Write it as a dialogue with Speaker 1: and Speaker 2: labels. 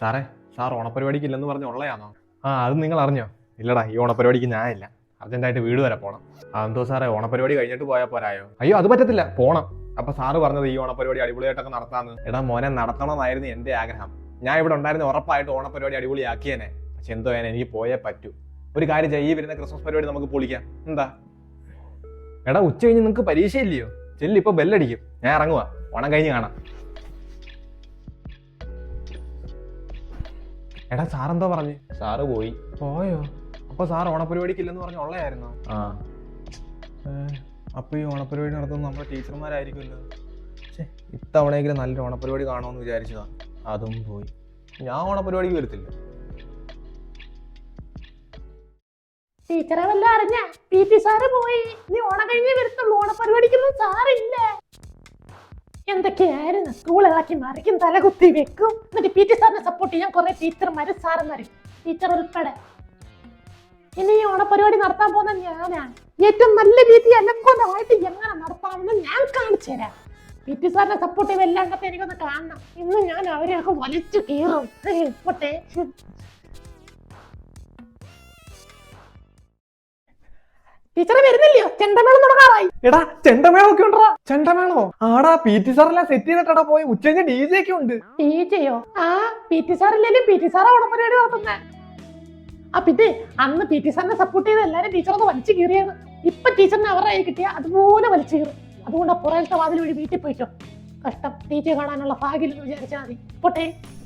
Speaker 1: സാറേ, സാർ ഓണപ്പരിപാടിക്ക് ഇല്ലെന്ന് പറഞ്ഞ് ഉള്ളയാണോ? അത് നിങ്ങൾ അറിഞ്ഞോ? ഇല്ലടാ, ഈ ഓണപ്പരിപാടിക്ക് ഞാനില്ല. അർജന്റായിട്ട് വീട് വരെ പോകണം. അതെന്തോ സാറേ, ഓണപ്പരിപാടി കഴിഞ്ഞിട്ട് പോയാൽ പോരായോ? അയ്യോ, അത് പറ്റത്തില്ല, പോണം. അപ്പൊ സാറ് പറഞ്ഞത് ഈ ഓണപ്പരിപാടി അടിപൊളിയായിട്ടൊക്കെ നടത്താന്ന്. എടാ മോനെ, നടത്തണമെന്നായിരുന്നു എന്റെ ആഗ്രഹം. ഞാൻ ഇവിടെ ഉണ്ടായിരുന്ന ഉറപ്പായിട്ട് ഓണപ്പരിപാടി അടിപൊളിയാക്കിയേനെ. പക്ഷെ എന്തോ എനിക്ക് പോയേ പറ്റൂ. ഒരു കാര്യം ചെയ്യ്, ഈ വരുന്ന ക്രിസ്മസ് പരിപാടി നമുക്ക് പൊളിക്കാം. എന്താ? എടാ, ഉച്ച കഴിഞ്ഞ് നിങ്ങൾക്ക് പരീക്ഷയില്ലയോ? ചെല്ലി, ഇപ്പൊ ബെല്ലടിക്കും. ഞാൻ ഇറങ്ങുവാ. ഓണം കഴിഞ്ഞ് കാണാം. എടാ, സാറെന്തോ പറഞ്ഞു? സാറ് പോയോ? അപ്പൊ സാർ ഓണപ്പരിപാടിക്ക് ഇല്ലെന്ന് പറഞ്ഞ ഉള്ളയായിരുന്നോ? അപ്പൊ ഈ ഓണപ്പരിപാടി നടത്തുന്നത് നമ്മുടെ ടീച്ചർമാരായിരിക്കുമല്ലോ. ഇത്തവണയെങ്കിലും നല്ലൊരു ഓണപ്പരിപാടി കാണുമെന്ന് വിചാരിച്ചതാ. അതും പോയി. ഞാൻ ഓണപ്പരിപാടിക്ക് വരത്തില്ല.
Speaker 2: ടീച്ചറെ വല്ല അറിഞ്ഞ PT സാറ് പോയി. നീ ഓണം കഴിഞ്ഞേ വരത്തുള്ളൂ. ഓണപ്പരിപാടിക്കൊന്നും സാറില്ല. എന്തൊക്കെയായിരുന്നു? സ്കൂൾ ഇളക്കി മറിക്കും, തലകുത്തി വെക്കും. എന്നിട്ട് PT സാറിനെ സപ്പോർട്ട് ചെയ്യാൻ കുറെ ടീച്ചർമാരും സാറന്മാരും, ടീച്ചർ ഉൾപ്പെടെ. ഇനി ഈ ഓണപ്പരിപാടി നടത്താൻ പോകുന്ന ഞാനാണ്. ഏറ്റവും നല്ല രീതി അലങ്കോലമായിട്ട് എങ്ങനെ നടത്താമെന്ന് ഞാൻ കാണിച്ചു തരാം. PT സാറിനെ സപ്പോർട്ട് ചെയ്ത് എല്ലാണ്ടത്തെ എനിക്കൊന്ന് കാണണം. ഇന്ന് ഞാൻ അവരെയൊക്കെ വലിച്ചു കീറും. പോട്ടെ. ടീച്ചറെ വരുന്നില്ലയോ? ചെണ്ടമേളം തുടങ്ങാറായി.
Speaker 1: എടാ, ചെണ്ടമേളം ഒക്കെ ഉണ്ടോ? ചെണ്ടമേളോ? ആടാ, PT സാറെല്ലാം സെറ്റ് ചെയ്തിട്ടാ പോയി. ഉച്ചയ്ക്ക് DJ ഒക്കെ ഉണ്ട്.
Speaker 2: DJയോ? PT സാറില്ലല്ലോ. PT സാറാ ഓണപ്പരിപാടി നടത്തുന്നേ. പിന്നെ അന്ന് PT സാറിനെ സപ്പോർട്ട് ചെയ്ത് എല്ലാരും ടീച്ചറൊന്ന് വലിച്ചു കീറിയത്. ഇപ്പൊ ടീച്ചറിനെ അവരുടെ കൈ കിട്ടിയ അതുപോലെ വലിച്ചു കീറും. അതുകൊണ്ട് പുറത്തെ വാതിൽ വഴി വീട്ടിൽ പോയിട്ടോ. കഷ്ടം. DJ കാണാനുള്ള ഭാഗ്യം വിചാരിച്ചാൽ മതി. പോട്ടെ.